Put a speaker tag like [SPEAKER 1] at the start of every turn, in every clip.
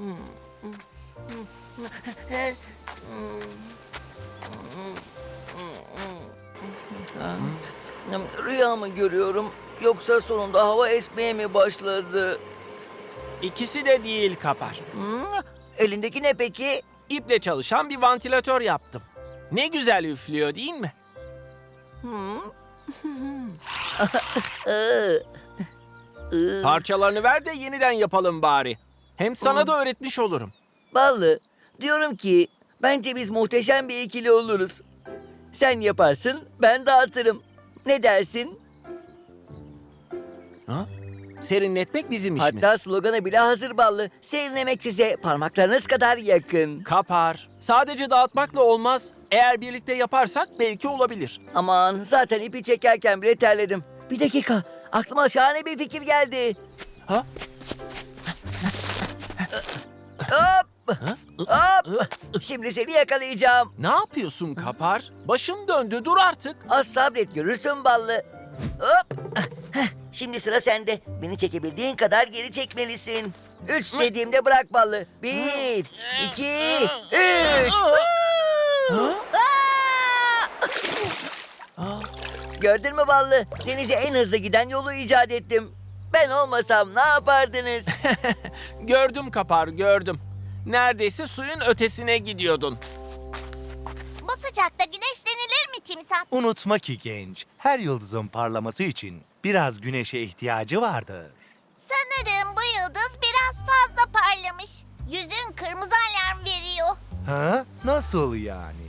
[SPEAKER 1] Rüya mı görüyorum yoksa sonunda hava esmeye mi başladı?
[SPEAKER 2] İkisi de değil Kapar.
[SPEAKER 1] Elindeki ne peki?
[SPEAKER 2] İple çalışan bir vantilatör yaptım. Ne güzel üflüyor değil mi? Parçalarını ver de yeniden yapalım bari. Hem sana da öğretmiş olurum.
[SPEAKER 1] Ballı, diyorum ki bence biz muhteşem bir ikili oluruz. Sen yaparsın, ben dağıtırım. Ne dersin?
[SPEAKER 2] Ha? Serinletmek bizim işimiz.
[SPEAKER 1] Hatta sloganı bile hazır Ballı. Serinlemek size parmaklarınız kadar yakın.
[SPEAKER 2] Kapar. Sadece dağıtmakla olmaz. Eğer birlikte yaparsak belki olabilir.
[SPEAKER 1] Aman zaten ipi çekerken bile terledim. Bir dakika, aklıma şahane bir fikir geldi.
[SPEAKER 2] Ha?
[SPEAKER 1] Hop! Hop! Şimdi seni yakalayacağım.
[SPEAKER 2] Ne yapıyorsun Kapar? Başım döndü, dur artık.
[SPEAKER 1] Az sabret görürsün Ballı. Hop! Şimdi sıra sende. Beni çekebildiğin kadar geri çekmelisin. 3 dediğimde bırak Ballı. 1, 2, 3. Gördün mü Ballı? Denize en hızlı giden yolu icat ettim. Ben olmasam ne yapardınız?
[SPEAKER 2] Gördüm Kapar, gördüm. Neredeyse suyun ötesine gidiyordun.
[SPEAKER 3] Bu sıcakta güneşlenilir mi timsah?
[SPEAKER 4] Unutma ki genç, her yıldızın parlaması için biraz güneşe ihtiyacı vardır.
[SPEAKER 3] Sanırım bu yıldız biraz fazla parlamış. Yüzün kırmızı alarm veriyor.
[SPEAKER 4] Ha? Nasıl yani?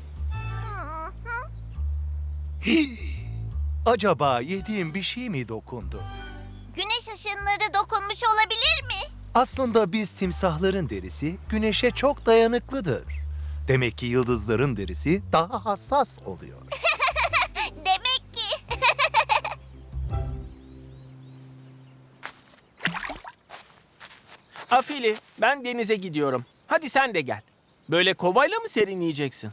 [SPEAKER 4] Acaba yediğim bir şey mi dokundu?
[SPEAKER 3] Güneş ışınları dokunmuş olabilir mi?
[SPEAKER 4] Aslında biz timsahların derisi güneşe çok dayanıklıdır. Demek ki yıldızların derisi daha hassas oluyor.
[SPEAKER 3] Demek ki.
[SPEAKER 2] Afili, ben denize gidiyorum. Hadi sen de gel. Böyle kovayla mı serinleyeceksin?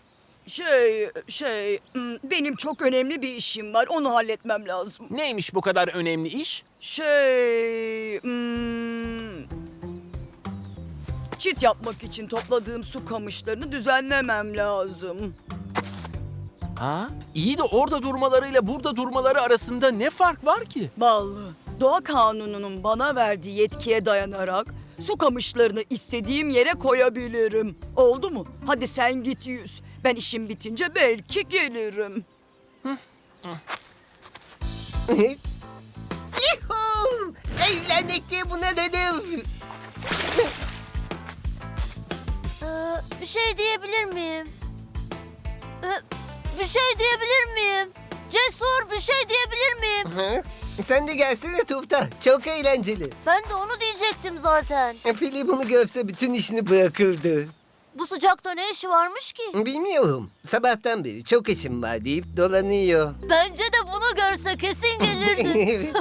[SPEAKER 5] Benim çok önemli bir işim var. Onu halletmem lazım.
[SPEAKER 2] Neymiş bu kadar önemli iş?
[SPEAKER 5] Çit yapmak için topladığım su kamışlarını düzenlemem lazım.
[SPEAKER 2] Ha? İyi de orada durmalarıyla burada durmaları arasında ne fark var ki?
[SPEAKER 5] Ballı, doğa kanununun bana verdiği yetkiye dayanarak su kamışlarını istediğim yere koyabilirim. Oldu mu? Hadi sen git yüz. Ben işim bitince belki gelirim.
[SPEAKER 6] Yuhuu! Evlenmek diye buna dedim.
[SPEAKER 3] Bir şey diyebilir miyim? Bir şey diyebilir miyim? Cesur, bir şey diyebilir miyim?
[SPEAKER 6] Hı? Sen de gelsene Tufta. Çok eğlenceli.
[SPEAKER 3] Ben de onu diyecektim zaten.
[SPEAKER 6] Fili bunu görse bütün işini bırakırdı.
[SPEAKER 3] Bu sıcakta ne işi varmış ki?
[SPEAKER 6] Bilmiyorum. Sabahtan beri çok işim var deyip dolanıyor.
[SPEAKER 3] Bence de bunu görse kesin gelirdi.
[SPEAKER 6] Evet.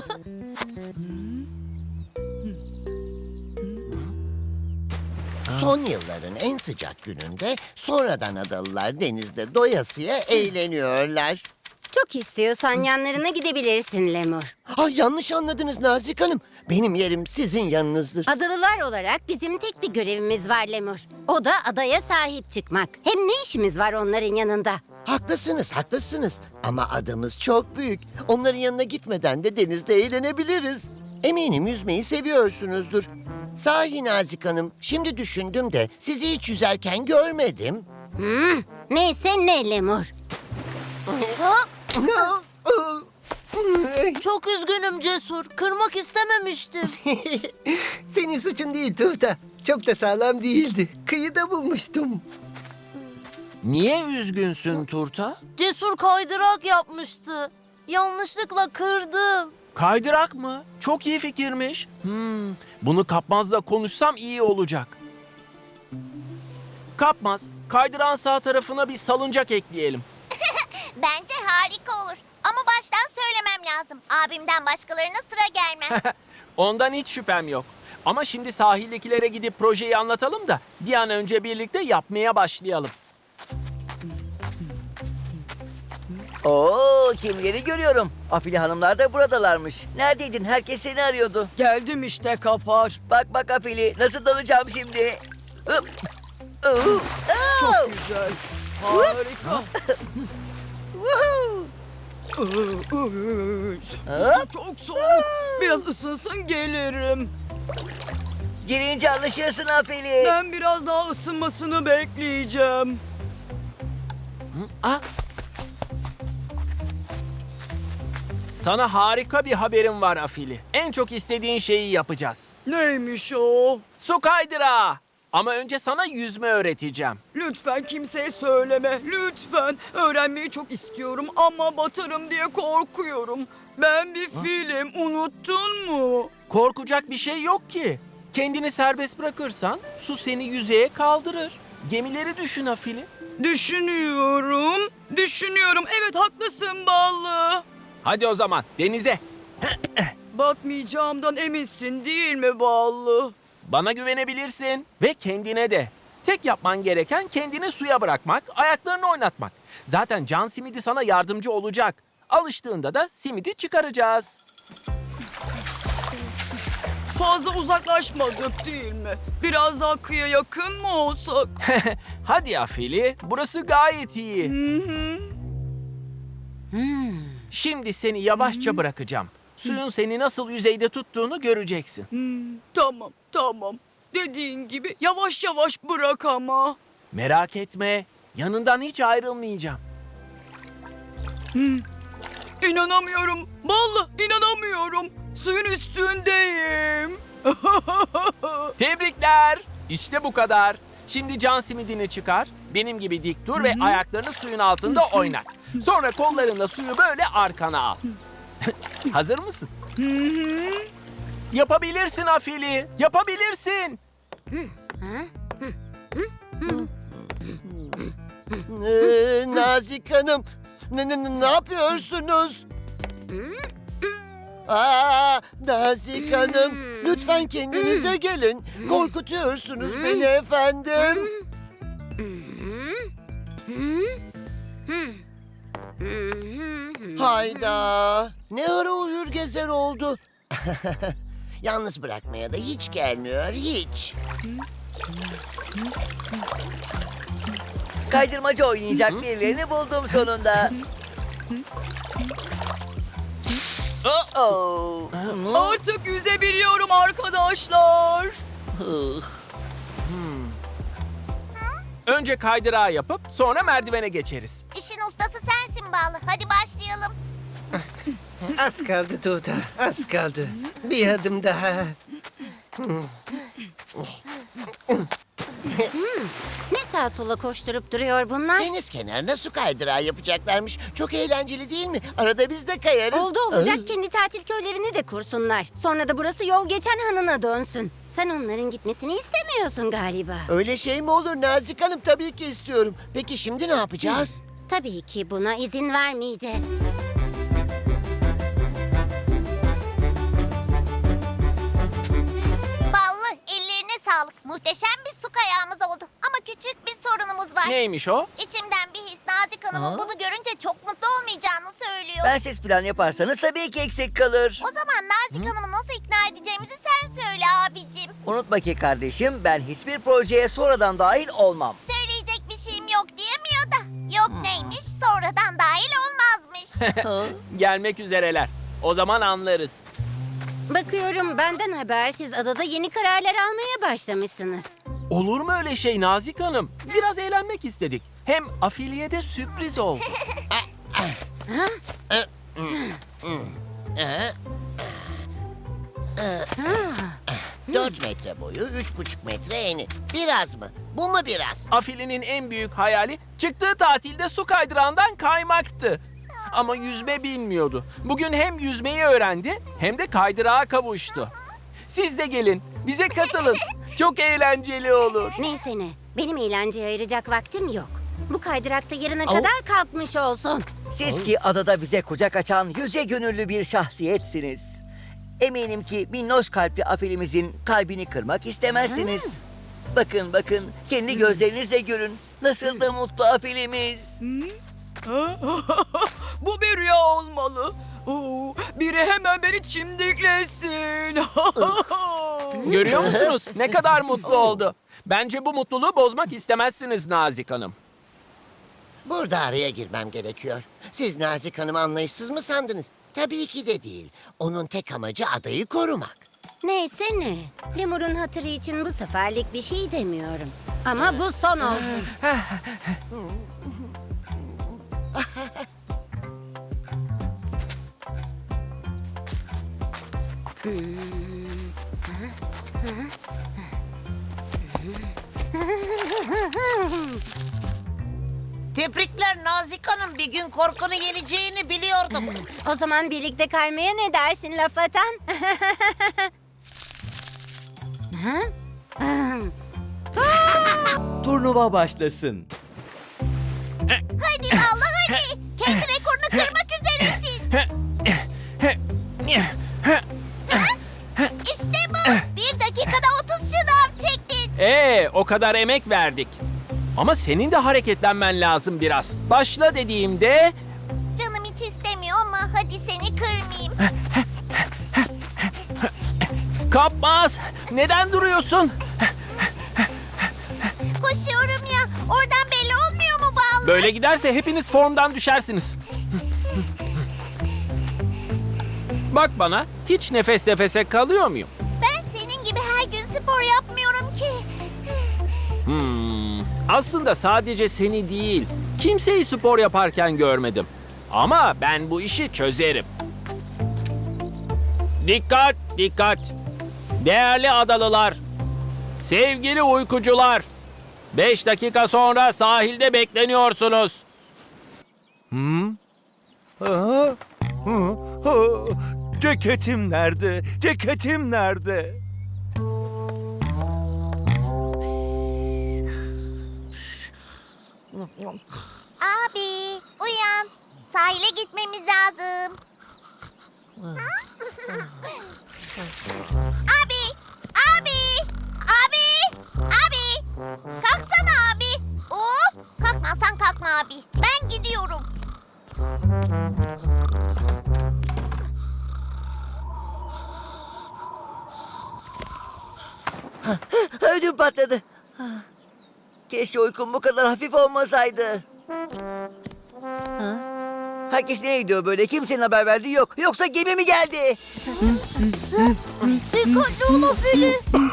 [SPEAKER 6] Son yılların en sıcak gününde sonradan adalılar denizde doyasıya eğleniyorlar.
[SPEAKER 7] Çok istiyorsan yanlarına gidebilirsin Lemur.
[SPEAKER 6] Yanlış anladınız Nazik Hanım. Benim yerim sizin yanınızdır.
[SPEAKER 7] Adalılar olarak bizim tek bir görevimiz var Lemur. O da adaya sahip çıkmak. Hem ne işimiz var onların yanında?
[SPEAKER 6] Haklısınız, haklısınız. Ama adamız çok büyük. Onların yanına gitmeden de denizde eğlenebiliriz. Eminim yüzmeyi seviyorsunuzdur. Sahi Nazik Hanım, şimdi düşündüm de sizi hiç yüzerken görmedim.
[SPEAKER 7] Neyse ne Lemur.
[SPEAKER 3] Çok üzgünüm Cesur. Kırmak istememiştim.
[SPEAKER 6] Senin suçun değil Tufta. Çok da sağlam değildi. Kıyıda bulmuştum.
[SPEAKER 2] Niye üzgünsün Turta?
[SPEAKER 3] Cesur kaydırak yapmıştı. Yanlışlıkla kırdım.
[SPEAKER 2] Kaydırak mı? Çok iyi fikirmiş. Bunu Kapmaz'la konuşsam iyi olacak. Kapmaz, kaydırağın sağ tarafına bir salıncak ekleyelim.
[SPEAKER 3] Bence harika olur. Ama baştan söylemem lazım. Abimden başkalarına sıra gelmez.
[SPEAKER 2] Ondan hiç şüphem yok. Ama şimdi sahildekilere gidip projeyi anlatalım da bir an önce birlikte yapmaya başlayalım.
[SPEAKER 1] Oo, kimleri görüyorum. Afili hanımlar da buradalarmış. Neredeydin? Herkes seni arıyordu.
[SPEAKER 5] Geldim işte Kapar.
[SPEAKER 1] Bak Afili, nasıl dalacağım şimdi? Hop. Oo.
[SPEAKER 5] Çok güzel. Harika. Çok soğuk. Biraz ısınsın gelirim.
[SPEAKER 1] Girince alışırsın Afili.
[SPEAKER 5] Ben biraz daha ısınmasını bekleyeceğim.
[SPEAKER 2] Sana harika bir haberim var Afili. En çok istediğin şeyi yapacağız.
[SPEAKER 5] Neymiş o?
[SPEAKER 2] Su kaydırağı. Ama önce sana yüzme öğreteceğim.
[SPEAKER 5] Lütfen kimseye söyleme. Lütfen. Öğrenmeyi çok istiyorum ama batarım diye korkuyorum. Ben bir filim. Unuttun mu?
[SPEAKER 2] Korkacak bir şey yok ki. Kendini serbest bırakırsan su seni yüzeye kaldırır. Gemileri düşün Afili.
[SPEAKER 5] Düşünüyorum. Düşünüyorum. Evet haklısın Ballı.
[SPEAKER 2] Hadi o zaman denize.
[SPEAKER 5] Batmayacağımdan eminsin değil mi Ballı?
[SPEAKER 2] Bana güvenebilirsin ve kendine de. Tek yapman gereken kendini suya bırakmak, ayaklarını oynatmak. Zaten can simidi sana yardımcı olacak. Alıştığında da simidi çıkaracağız.
[SPEAKER 5] Fazla uzaklaşmadık değil mi? Biraz daha kıyıya yakın mı olsak?
[SPEAKER 2] Hadi Afili, burası gayet iyi. Şimdi seni yavaşça bırakacağım. Suyun seni nasıl yüzeyde tuttuğunu göreceksin.
[SPEAKER 5] Tamam, tamam. Dediğin gibi yavaş yavaş bırak ama.
[SPEAKER 2] Merak etme, yanından hiç ayrılmayacağım.
[SPEAKER 5] İnanamıyorum. Vallahi inanamıyorum. Suyun üstündeyim.
[SPEAKER 2] Tebrikler. İşte bu kadar. Şimdi can simidini çıkar, benim gibi dik dur ve ayaklarını suyun altında oynat. Sonra kollarınla suyu böyle arkana al. Hazır mısın? Yapabilirsin Afili, yapabilirsin.
[SPEAKER 6] Nazik Hanım, ne yapıyorsunuz? Aa, Nazik Hanım, lütfen kendinize gelin. Korkutuyorsunuz beni efendim. Hayda, ne ara uyur gezer oldu. Yalnız bırakmaya da hiç gelmiyor, hiç.
[SPEAKER 1] Kaydırmaca oynayacak birilerini buldum sonunda. Oh.
[SPEAKER 5] Artık yüzebiliyorum arkadaşlar.
[SPEAKER 2] Önce kaydırağı yapıp sonra merdivene geçeriz.
[SPEAKER 3] İşin ustası sensin Ballı. Hadi başlayalım.
[SPEAKER 8] Az kaldı Tuğda, az kaldı. Bir adım daha.
[SPEAKER 7] Ne sağa sola koşturup duruyor bunlar?
[SPEAKER 6] Deniz kenarına su kaydırağı yapacaklarmış. Çok eğlenceli değil mi? Arada biz de kayarız.
[SPEAKER 7] Oldu olacak kendi tatil köylerini de kursunlar. Sonra da burası yol geçen hanına dönsün. Sen onların gitmesini istemiyorsun galiba.
[SPEAKER 6] Öyle şey mi olur Nazik Hanım? Tabii ki istiyorum. Peki şimdi ne yapacağız?
[SPEAKER 7] Tabii ki buna izin vermeyeceğiz.
[SPEAKER 3] Ballı, ellerine sağlık. Muhteşem bir su kayağımız oldu. Ama küçük bir sorunumuz var.
[SPEAKER 2] Neymiş o?
[SPEAKER 3] İçimden bir his Nazik Hanım'ın bunu görünce çok mutlu olmayacağını söylüyor.
[SPEAKER 1] Bensiz plan yaparsanız tabii ki eksik kalır.
[SPEAKER 3] O zaman Nazik Hanım'ı nasıl ikna edeceğimizi sen söyle abicim.
[SPEAKER 1] Unutma ki kardeşim, ben hiçbir projeye sonradan dahil olmam.
[SPEAKER 3] Söyleyecek bir şeyim yok diyemiyor da. Yok neymiş, sonradan dahil olmazmış.
[SPEAKER 2] Gelmek üzereler. O zaman anlarız.
[SPEAKER 7] Bakıyorum benden habersiz adada yeni kararlar almaya başlamışsınız.
[SPEAKER 2] Olur mu öyle şey Nazik Hanım? Biraz eğlenmek istedik. Hem Afili'ye de sürpriz oldu.
[SPEAKER 6] 4 metre boyu, 3,5 metre eni. Biraz mı? Bu mu biraz?
[SPEAKER 2] Afili'nin en büyük hayali çıktığı tatilde su kaydırağından kaymaktı. Ama yüzme bilmiyordu. Bugün hem yüzmeyi öğrendi hem de kaydırağa kavuştu. Siz de gelin, bize katılın. Çok eğlenceli olur.
[SPEAKER 7] Neyse ne, benim eğlenceye ayıracak vaktim yok. Bu kaydırakta yarına kadar kalkmış olsun.
[SPEAKER 1] Siz ki adada bize kucak açan yüce gönüllü bir şahsiyetsiniz. Eminim ki minnoş kalpli Afilimizin kalbini kırmak istemezsiniz. Bakın bakın, kendi gözlerinizle görün. Nasıl da mutlu Afilimiz.
[SPEAKER 5] Bu bir rüya olmalı. Oo, biri hemen beni çimdiklesin.
[SPEAKER 2] Görüyor musunuz? Ne kadar mutlu oldu. Bence bu mutluluğu bozmak istemezsiniz Nazik Hanım.
[SPEAKER 6] Burada araya girmem gerekiyor. Siz Nazik Hanım'ı anlayışsız mı sandınız? Tabii ki de değil. Onun tek amacı adayı korumak.
[SPEAKER 7] Neyse ne. Lemur'un hatırı için bu seferlik bir şey demiyorum. Ama bu son olsun.
[SPEAKER 9] Tebrikler Nazik Hanım. Bir gün korkunu yeneceğini biliyordum.
[SPEAKER 7] O zaman birlikte kaymaya ne dersin laf atan?
[SPEAKER 10] Turnuva başlasın.
[SPEAKER 3] Hadi vallahi hadi. Kendi rekorunu kırmak üzeresin. İşte bu. 1 dakikada 30 şınav çektin.
[SPEAKER 2] O kadar emek verdik. Ama senin de hareketlenmen lazım biraz. Başla dediğimde
[SPEAKER 3] Canım hiç istemiyor ama hadi seni kırmayayım.
[SPEAKER 2] kapmaz. Neden duruyorsun?
[SPEAKER 3] Koşuyorum ya. Oradan belli olmuyor mu Ballı?
[SPEAKER 2] Böyle giderse hepiniz formdan düşersiniz. Bak bana, hiç nefes nefese kalıyor muyum?
[SPEAKER 3] Ben senin gibi her gün spor yapmıyorum ki.
[SPEAKER 2] Aslında sadece seni değil, kimseyi spor yaparken görmedim. Ama ben bu işi çözerim. Dikkat, dikkat. Değerli adalılar, sevgili uykucular. 5 dakika sonra sahilde bekleniyorsunuz.
[SPEAKER 10] Ceketim nerede? Ceketim nerede?
[SPEAKER 3] Abi uyan. Sahile gitmemiz lazım. Abi! Abi! Abi! Abi! Kalksana abi. Kalkmazsan kalkma abi. Ben gidiyorum.
[SPEAKER 1] Ödüm patladı. Keşke uykum bu kadar hafif olmasaydı. Ha? Herkes nereye gidiyor böyle? Kimsenin haber verdiği yok. Yoksa gemi mi geldi?
[SPEAKER 3] Dikkatli ol Afili.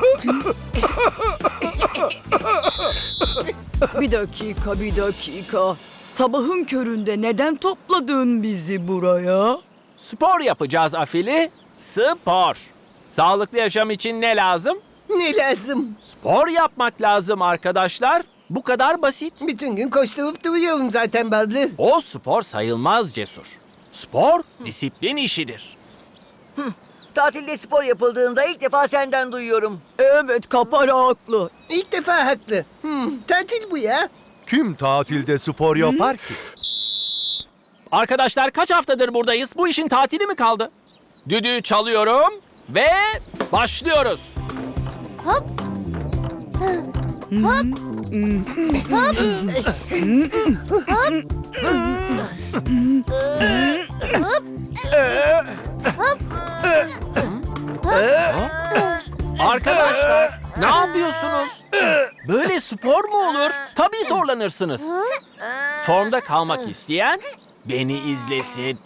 [SPEAKER 5] Bir dakika. Sabahın köründe neden topladın bizi buraya?
[SPEAKER 2] Spor yapacağız Afili. Spor. Sağlıklı yaşam için ne lazım?
[SPEAKER 8] Ne lazım?
[SPEAKER 2] Spor yapmak lazım arkadaşlar. Bu kadar basit.
[SPEAKER 8] Bütün gün koşturup duruyorum zaten Ballı.
[SPEAKER 2] O spor sayılmaz Cesur. Spor disiplin işidir.
[SPEAKER 1] Tatilde spor yapıldığında ilk defa senden duyuyorum.
[SPEAKER 5] Evet, Kapara haklı.
[SPEAKER 8] İlk defa haklı. Tatil bu ya.
[SPEAKER 4] Kim tatilde spor yapar ki?
[SPEAKER 2] Arkadaşlar kaç haftadır buradayız? Bu işin tatili mi kaldı? Düdüğü çalıyorum ve başlıyoruz. Arkadaşlar ne yapıyorsunuz? Böyle spor mu olur? Tabii zorlanırsınız. Formda kalmak isteyen beni izlesin.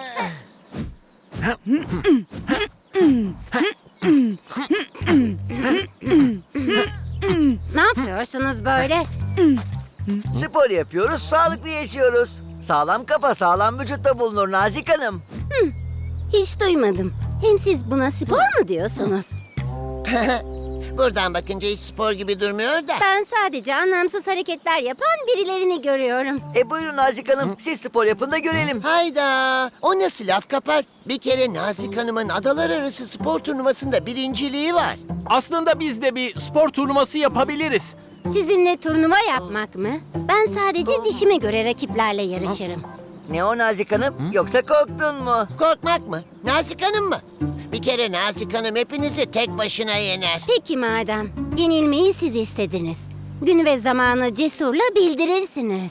[SPEAKER 7] Ne yapıyorsunuz böyle?
[SPEAKER 1] Spor yapıyoruz, sağlıklı yaşıyoruz. Sağlam kafa, sağlam vücutta bulunur Nazik Hanım.
[SPEAKER 7] Hiç duymadım. Hem siz buna spor mu diyorsunuz?
[SPEAKER 6] Buradan bakınca hiç spor gibi durmuyor da.
[SPEAKER 7] Ben sadece anlamsız hareketler yapan birilerini görüyorum.
[SPEAKER 1] Buyurun Nazik Hanım, siz spor yapın da görelim.
[SPEAKER 6] Hayda! O nasıl laf kapar? Bir kere Nazik Hanım'ın adalar arası spor turnuvasında birinciliği var.
[SPEAKER 2] Aslında biz de bir spor turnuvası yapabiliriz.
[SPEAKER 7] Sizinle turnuva yapmak mı? Ben sadece dişime göre rakiplerle yarışırım.
[SPEAKER 1] Ne o Nazik Hanım, yoksa korktun mu?
[SPEAKER 6] Korkmak mı? Nazik Hanım mı? Bir kere Nazik Hanım hepinizi tek başına yener.
[SPEAKER 7] Peki madem, yenilmeyi siz istediniz. Günü ve zamanı Cesur'la bildirirsiniz.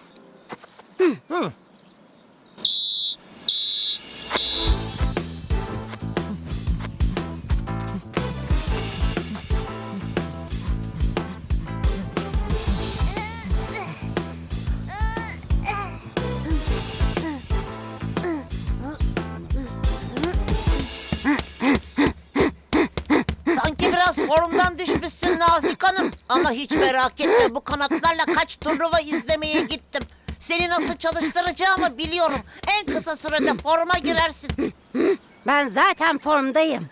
[SPEAKER 9] Ama hiç merak etme, bu kanatlarla kaç turnuva izlemeye gittim. Seni nasıl çalıştıracağımı biliyorum. En kısa sürede forma girersin.
[SPEAKER 7] Ben zaten formdayım.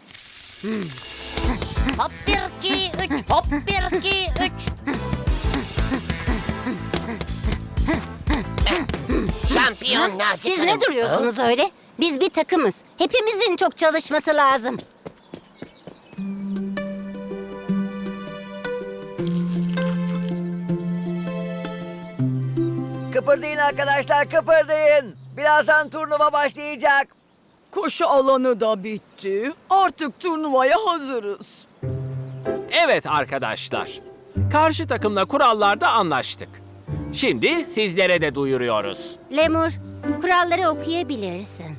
[SPEAKER 9] Hop 1, 2, 3, hop 1, 2, 3.
[SPEAKER 6] Şampiyon Nazik
[SPEAKER 7] Siz
[SPEAKER 6] Hanım.
[SPEAKER 7] ne duruyorsunuz öyle? Biz bir takımız. Hepimizin çok çalışması lazım.
[SPEAKER 1] Kıpırdayın arkadaşlar, kıpırdayın. Birazdan turnuva başlayacak.
[SPEAKER 5] Koşu alanı da bitti. Artık turnuvaya hazırız.
[SPEAKER 2] Evet arkadaşlar. Karşı takımla kurallarda anlaştık. Şimdi sizlere de duyuruyoruz.
[SPEAKER 7] Lemur, kuralları okuyabilirsin.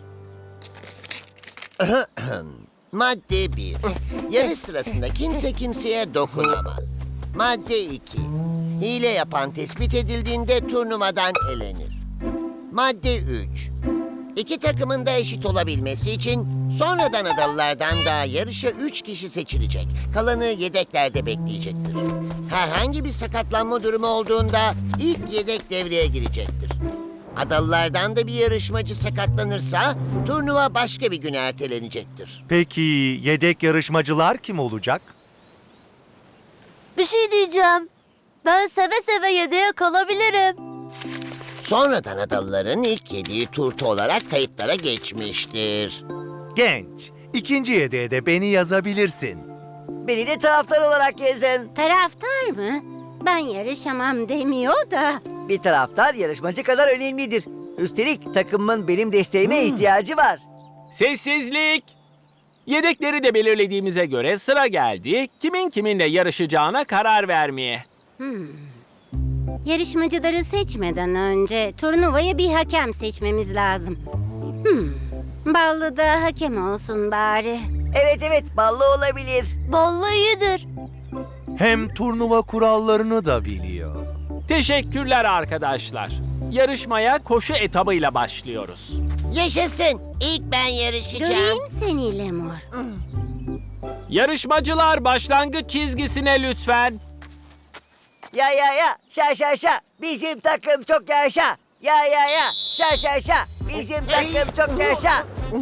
[SPEAKER 6] Madde 1. Yarış sırasında kimse kimseye dokunamaz. Madde 2. Hile yapan tespit edildiğinde turnuvadan elenir. Madde 3. İki takımın da eşit olabilmesi için sonradan adalılardan da yarışa 3 kişi seçilecek. Kalanı yedeklerde bekleyecektir. Herhangi bir sakatlanma durumu olduğunda ilk yedek devreye girecektir. Adalılardan da bir yarışmacı sakatlanırsa turnuva başka bir güne ertelenecektir.
[SPEAKER 4] Peki yedek yarışmacılar kim olacak?
[SPEAKER 3] Bir şey diyeceğim. Ben seve seve yedeğe kalabilirim.
[SPEAKER 6] Sonradan adalıların ilk yediği turta olarak kayıtlara geçmiştir.
[SPEAKER 4] Genç. İkinci yedeğe de beni yazabilirsin.
[SPEAKER 1] Beni de taraftar olarak yazın.
[SPEAKER 7] Taraftar mı? Ben yarışamam demiyor da.
[SPEAKER 1] Bir taraftar yarışmacı kadar önemlidir. Üstelik takımın benim desteğime ihtiyacı var.
[SPEAKER 2] Sessizlik! Yedekleri de belirlediğimize göre sıra geldi kimin kiminle yarışacağına karar vermeye.
[SPEAKER 7] Yarışmacıları seçmeden önce turnuvaya bir hakem seçmemiz lazım. Ballı da hakem olsun bari.
[SPEAKER 1] Evet, ballı olabilir.
[SPEAKER 3] Ballı iyidir.
[SPEAKER 4] Hem turnuva kurallarını da biliyor.
[SPEAKER 2] Teşekkürler arkadaşlar. Yarışmaya koşu etabıyla başlıyoruz.
[SPEAKER 6] Yaşasın! İlk ben yarışacağım.
[SPEAKER 7] Göreyim seni Lemur.
[SPEAKER 2] Yarışmacılar başlangıç çizgisine lütfen.
[SPEAKER 1] Ya, şa, bizim takım çok yaşa. Ya, şa, bizim takım çok yaşa.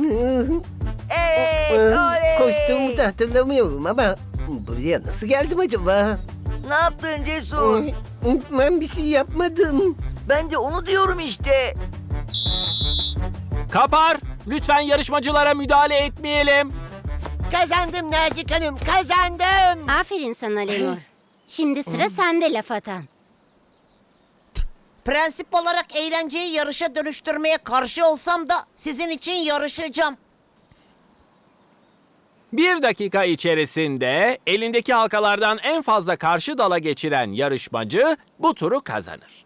[SPEAKER 1] Evet, oley.
[SPEAKER 8] Koştuğumu da hatırlamıyorum ama buraya nasıl geldim acaba?
[SPEAKER 1] Ne yaptın Cesur?
[SPEAKER 8] Ben bir şey yapmadım.
[SPEAKER 1] Ben de onu diyorum işte.
[SPEAKER 2] Kapar, lütfen yarışmacılara müdahale etmeyelim.
[SPEAKER 6] Kazandım Nazik Hanım, kazandım.
[SPEAKER 7] Aferin sana Lemur. Şimdi sıra sende laf atan.
[SPEAKER 9] Prensip olarak eğlenceyi yarışa dönüştürmeye karşı olsam da sizin için yarışacağım.
[SPEAKER 2] 1 dakika içerisinde elindeki halkalardan en fazla karşı dala geçiren yarışmacı bu turu kazanır.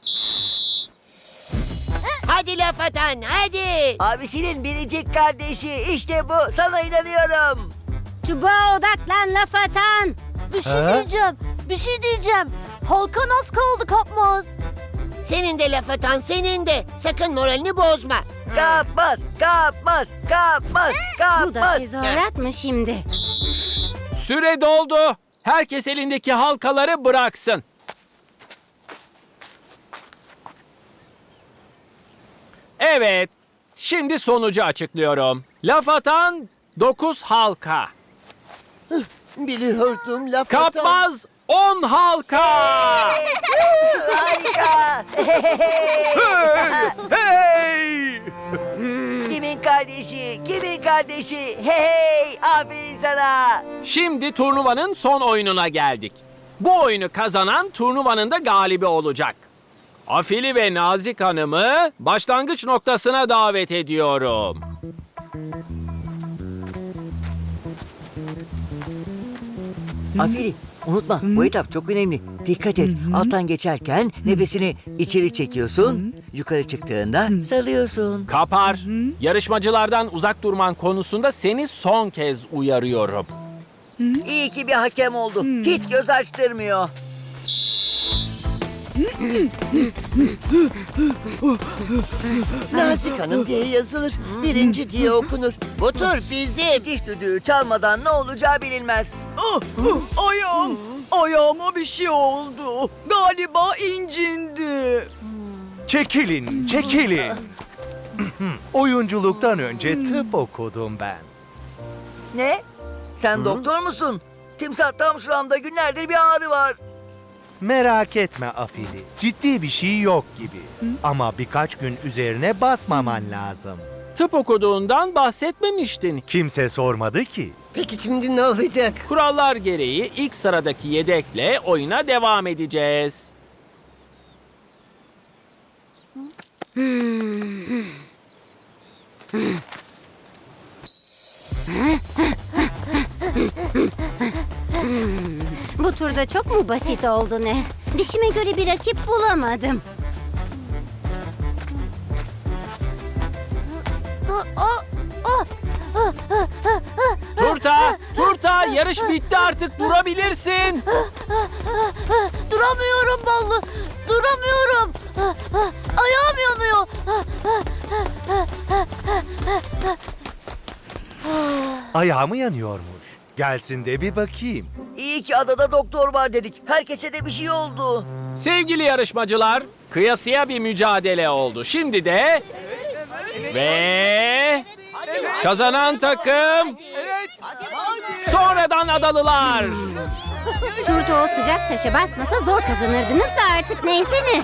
[SPEAKER 6] Hadi laf atan, hadi.
[SPEAKER 1] Abisinin biricik kardeşi. İşte bu. Sana inanıyorum.
[SPEAKER 7] Çubuğa odaklan laf atan.
[SPEAKER 3] Bir şey diyeceğim. Halka az kaldı kapmaz.
[SPEAKER 6] Senin de laf atan, senin de. Sakın moralini bozma.
[SPEAKER 1] Kapmaz.
[SPEAKER 7] Bu da tezahürat mı şimdi?
[SPEAKER 2] Süre doldu. Herkes elindeki halkaları bıraksın. Evet, şimdi sonucu açıklıyorum. Laf atan 9 halka.
[SPEAKER 6] Biliyordum laf atan.
[SPEAKER 2] Kapmaz 10 halka.
[SPEAKER 1] Harika.
[SPEAKER 10] Hey!
[SPEAKER 1] Kimin kardeşi? Hey, aferin sana.
[SPEAKER 2] Şimdi turnuvanın son oyununa geldik. Bu oyunu kazanan turnuvanın da galibi olacak. Afili ve Nazik Hanım'ı başlangıç noktasına davet ediyorum.
[SPEAKER 1] Afili, unutma bu etap çok önemli. Dikkat et, alttan geçerken nefesini içeri çekiyorsun. Yukarı çıktığında salıyorsun.
[SPEAKER 2] Kapar, yarışmacılardan uzak durman konusunda seni son kez uyarıyorum.
[SPEAKER 1] İyi ki bir hakem oldu. Hiç göz açtırmıyor.
[SPEAKER 6] Nazik Hanım diye yazılır, birinci diye okunur. Bu tur bizim.
[SPEAKER 1] Diş düdüğü çalmadan ne olacağı bilinmez.
[SPEAKER 5] Ayağım. Ayağıma bir şey oldu. Galiba incindi.
[SPEAKER 4] Çekilin, çekilin. Oyunculuktan önce tıp okudum ben.
[SPEAKER 1] Ne? Sen doktor musun? Timsah tam şuramda günlerdir bir ağrı var.
[SPEAKER 4] Merak etme Afili. Ciddi bir şey yok gibi. Ama birkaç gün üzerine basmaman lazım.
[SPEAKER 2] Tıp okuduğundan bahsetmemiştin.
[SPEAKER 4] Kimse sormadı ki.
[SPEAKER 8] Peki şimdi ne olacak?
[SPEAKER 2] Kurallar gereği ilk sıradaki yedekle oyuna devam edeceğiz.
[SPEAKER 7] Bu turda çok mu basit oldu ne? Dişime göre bir rakip bulamadım.
[SPEAKER 2] Turta, yarış bitti artık durabilirsin.
[SPEAKER 3] Duramıyorum Ballı. Duramıyorum. Ayağım yanıyor.
[SPEAKER 4] Ayağı mı yanıyormuş? Gelsin de bir bakayım.
[SPEAKER 1] İyi ki adada doktor var dedik. Herkese de bir şey oldu.
[SPEAKER 2] Sevgili yarışmacılar, kıyasıya bir mücadele oldu. Şimdi de ve kazanan takım sonradan adalılar.
[SPEAKER 7] Turta o sıcak taşa basmasa zor kazanırdınız da artık neyse ne.